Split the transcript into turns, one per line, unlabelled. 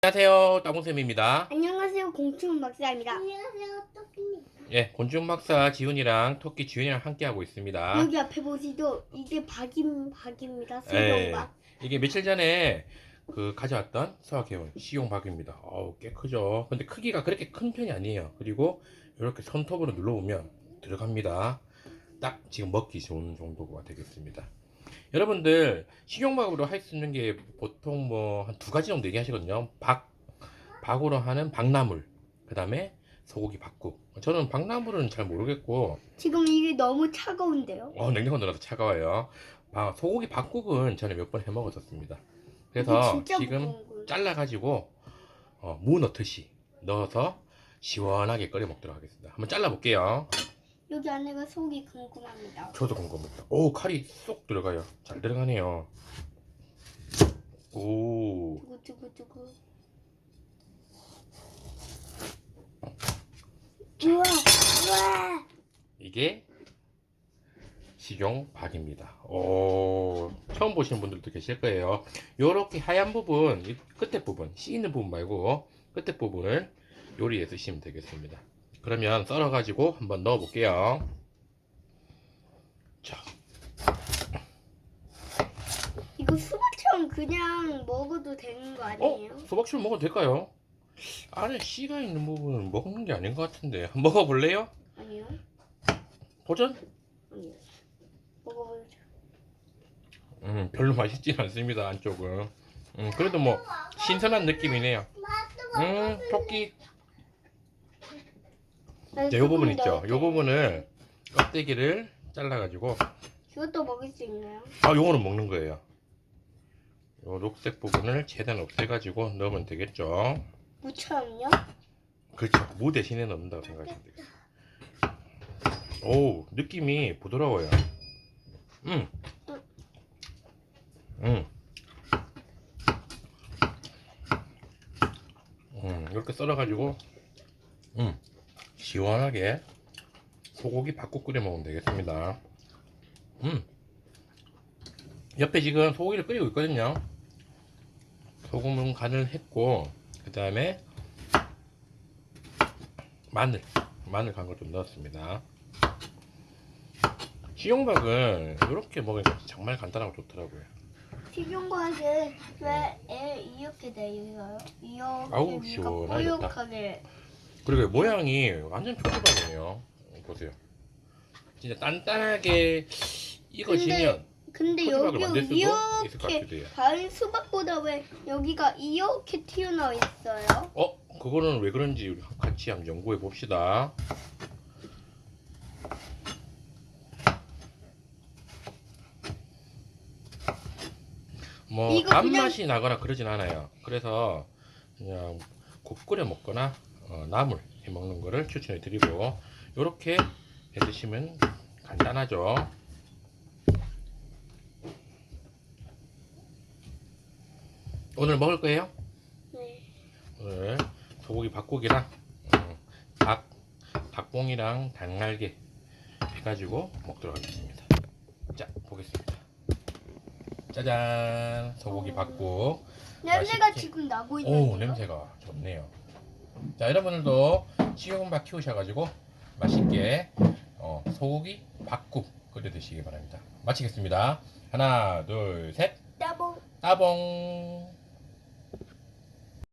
안녕하세요, 따봉쌤입니다.
안녕하세요, 공충 박사입니다.
안녕하세요, 토끼입니다.
예, 곤충 박사 지훈이랑 토끼 지훈이랑 함께 하고 있습니다.
여기 앞에 보시죠. 이게 박입니다.
예,
수경박.
이게 며칠 전에 가져왔던 수학해온 시용박입니다. 어우, 꽤 크죠. 근데 크기가 그렇게 큰 편이 아니에요. 그리고 이렇게 손톱으로 눌러보면 들어갑니다. 딱 지금 먹기 좋은 정도가 되겠습니다. 여러분들 식용박으로 할 수 있는 게 보통 뭐 한 두 가지 정도 얘기하시거든요. 박으로 하는 박나물, 그 다음에 소고기 박국. 저는 박나물은 잘 모르겠고,
지금 이게 너무 차가운데요.
냉장고 넣어서 차가워요. 소고기 박국은 저는 몇 번 해 먹었었습니다.
이게
그래서
진짜
지금
무거운 거예요.
잘라가지고 무 넣듯이 넣어서 시원하게 끓여 먹도록 하겠습니다. 한번 잘라볼게요.
여기 안에가 속이 궁금합니다.
저도 궁금합니다. 오, 칼이 쏙 들어가요. 잘 들어가네요. 오,
두구두구두구. 우와, 우와.
이게 식용박입니다. 오, 처음 보시는 분들도 계실 거예요. 요렇게 하얀 부분, 이 끝에 부분, 씨 있는 부분 말고 끝에 부분을 요리에 쓰시면 되겠습니다. 그러면 썰어가지고 한번 넣어 볼게요. 자,
이거 수박처럼 그냥 먹어도 되는 거 아니에요?
수박추를 먹어도 될까요? 안에 씨가 있는 부분은 먹는 게 아닌 것 같은데. 한번 먹어볼래요?
아니요.
도전?
아니요. 먹어보죠.
별로 맛있진 않습니다, 안쪽은. 그래도 뭐 신선한 느낌이네요. 토끼. 네, 요 부분 있죠? 요 부분을 껍데기를 잘라가지고,
이것도 먹을 수 있나요?
요거는 먹는 거예요. 요 녹색 부분을 최대한 없애가지고 넣으면 되겠죠?
무처럼요?
그렇죠. 무 대신에 넣는다고 생각하시면 되겠어요. 오, 느낌이 부드러워요. 이렇게 썰어가지고, 시원하게 소고기 밥국 끓여 먹으면 되겠습니다. 옆에 지금 소고기를 끓이고 있거든요. 소금은 간을 했고, 그 다음에 마늘 간 거 좀 넣었습니다. 식용박은 이렇게 먹으니까 정말 간단하고 좋더라고요.
식용과는 왜 이렇게 돼 있어요?
아우,
이렇게
시원하겠다.
뽀얗게.
그리고 모양이 완전 표지박이네요. 보세요. 진짜 단단하게 익어지면
근데
표지박을
여기
만들 수도 있을 것
이렇게
같기도 해요.
다른 수박보다 왜 여기가 이렇게 튀어나와 있어요?
그거는 왜 그런지 우리 같이 한번 연구해 봅시다. 뭐
이거
단맛이 나거나 그러진 않아요. 그래서 그냥 국 끓여 먹거나 나물 해 먹는 거를 추천해 드리고, 요렇게 해 드시면 간단하죠. 오늘 먹을 거예요?
네.
오늘 소고기 밥국이랑 닭봉이랑 닭날개 해가지고 먹도록 하겠습니다. 자, 보겠습니다. 짜잔, 소고기 밥국.
냄새가
맛있게.
지금 나고
오,
있는데요.
냄새가 좋네요. 자, 여러분들도 식용밥 키우셔가지고 맛있게 소고기 밥국 끓여 드시기 바랍니다. 마치겠습니다. 하나, 둘, 셋.
따봉.
따봉.